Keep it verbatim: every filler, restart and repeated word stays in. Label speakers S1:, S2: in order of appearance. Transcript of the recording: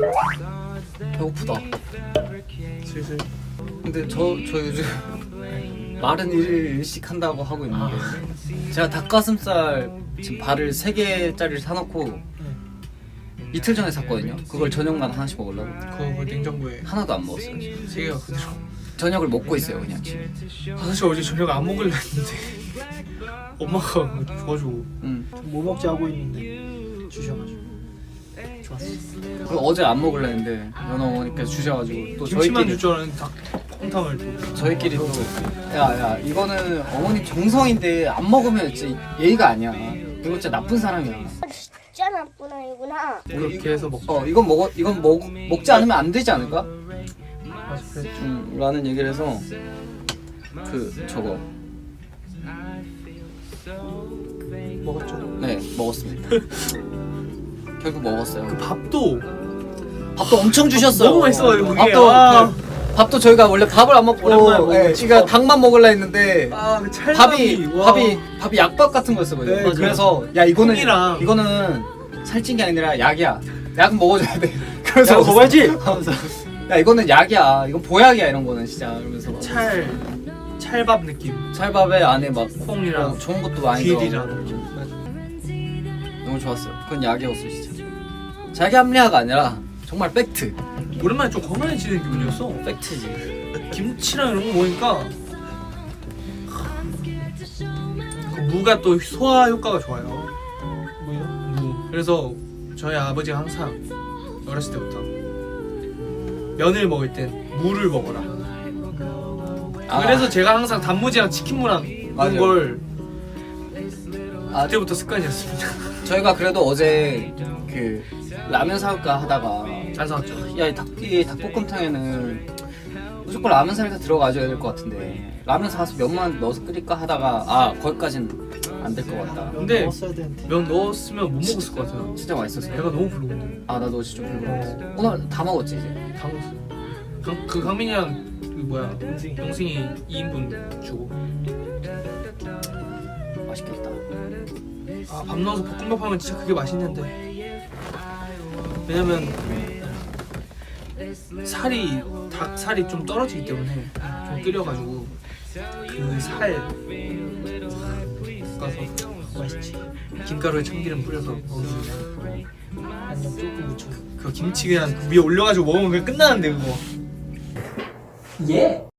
S1: 배고프다.
S2: 슬슬.
S1: 근데 저, 저 요즘 마른 일식 한다고 하고 있는데 제가 닭가슴살 지금 발을 세 개짜리를 사놓고 이틀 전에 샀거든요. 그걸 저녁만 하나씩 먹으려고.
S2: 그거 냉장고에
S1: 하나도 안 먹었어요.
S2: 세 개가 그대로.
S1: 저녁을 먹고 있어요 그냥 지금.
S2: 아, 사실 어제 저녁 안 먹으려 했는데 엄마가 줘가지고
S1: 응.
S3: 뭐 먹지 하고 있는데 주셔가지고 좋았어.
S1: 그리고 어제 안 먹으려 했는데 연어 어머니께서 주셔가지고 또
S2: 김치만
S1: 저희끼리
S2: 줄 줄 알았는데 닭 콩탕을 또.
S1: 저희끼리 또 야야 이거는 어머니 정성인데 안 먹으면 진짜 예의가 아니야. 이거 진짜 나쁜 사람이야.
S4: 진짜 나쁜 아이구나.
S2: 그렇게 해서 먹.
S1: 어 이건 먹어 이건 먹 먹지 않으면 안 되지 않을까?
S2: 맞아, 그래.
S1: 음, 라는 얘기를 해서 그 저거
S2: 먹었죠.
S1: 네 먹었습니다. 결국 먹었어요.
S2: 그 밥도
S1: 밥도 엄청 주셨어요.
S2: 너무 맛있어요, 그게.
S1: 밥도
S2: 아.
S1: 그, 밥도 저희가 원래 밥을 안 먹고
S2: 오랜만에 먹은
S1: 예,
S2: 집밥.
S1: 그러니까 닭만 먹으려 했는데
S2: 아그 찰밥이
S1: 밥이
S2: 와.
S1: 밥이 밥이 약밥 같은 거였어요.
S2: 네,
S1: 그래서 야 이거는
S2: 콩이랑.
S1: 이거는 살찐 게 아니라 약이야. 약은 먹어줘야 돼. 그래서
S2: 야, 먹어야지!
S1: 하면서 야 이거는 약이야. 이건 보약이야 이런 거는 진짜 이러면서 막
S2: 찰 찰밥 느낌.
S1: 찰밥에 안에 막
S2: 콩이랑
S1: 어, 좋은 것도 많이
S2: 귀리랑.
S1: 들어가고
S2: 맞아.
S1: 너무 좋았어요. 그건 약이었어 진짜. 자기 합리화가 아니라 정말 팩트.
S2: 오랜만에 좀 건강해지는 기분이었어.
S1: 팩트지.
S2: 김치랑 이런 거 먹으니까 그 무가 또 소화 효과가 좋아요.
S3: 뭐요?
S2: 무. 그래서 저희 아버지가 항상 어렸을 때부터 면을 먹을 땐 무를 먹어라.
S1: 아.
S2: 그래서 제가 항상 단무지랑 치킨무랑 이런
S1: 맞아요.
S2: 걸
S1: 아,
S2: 그때부터 습관이었습니다.
S1: 저희가 그래도 어제 그 라면 사올까 하다가
S2: 안 사왔죠.
S1: 야, 이 닭, 이 닭볶음탕에는 무조건 라면 사리가 들어가줘야 될 것 같은데 라면 사서 면만 넣어서 끓일까 하다가 아 거기까지는 안 될 것 같다.
S2: 근데
S3: 먹었어야 되는데.
S2: 면 넣었으면 못 먹었을 것 같아요.
S1: 진짜 맛있었어요.
S2: 배가 너무 부르거든요.
S1: 아 나도 어제 좀 배고팠어. 오늘 다 먹었지 이제.
S2: 다 먹었어요. 강, 그 강민이랑 그 뭐야
S3: 영승이.
S2: 영승이 이 인분 주고.
S1: 맛있겠다.
S2: 아, 밥 넣어서 볶음밥 하면 진짜 그게 맛있는데. 왜냐면 살이 닭 살이 좀 떨어지기 때문에 좀 끓여가지고 그 살 볶아서 맛있지. 김가루에 참기름 뿌려서 먹으면
S3: 안녕 조금 묻혀.
S2: 그 김치 그냥 위에 올려가지고 먹으면 그냥 끝나는데 그거.
S1: 예.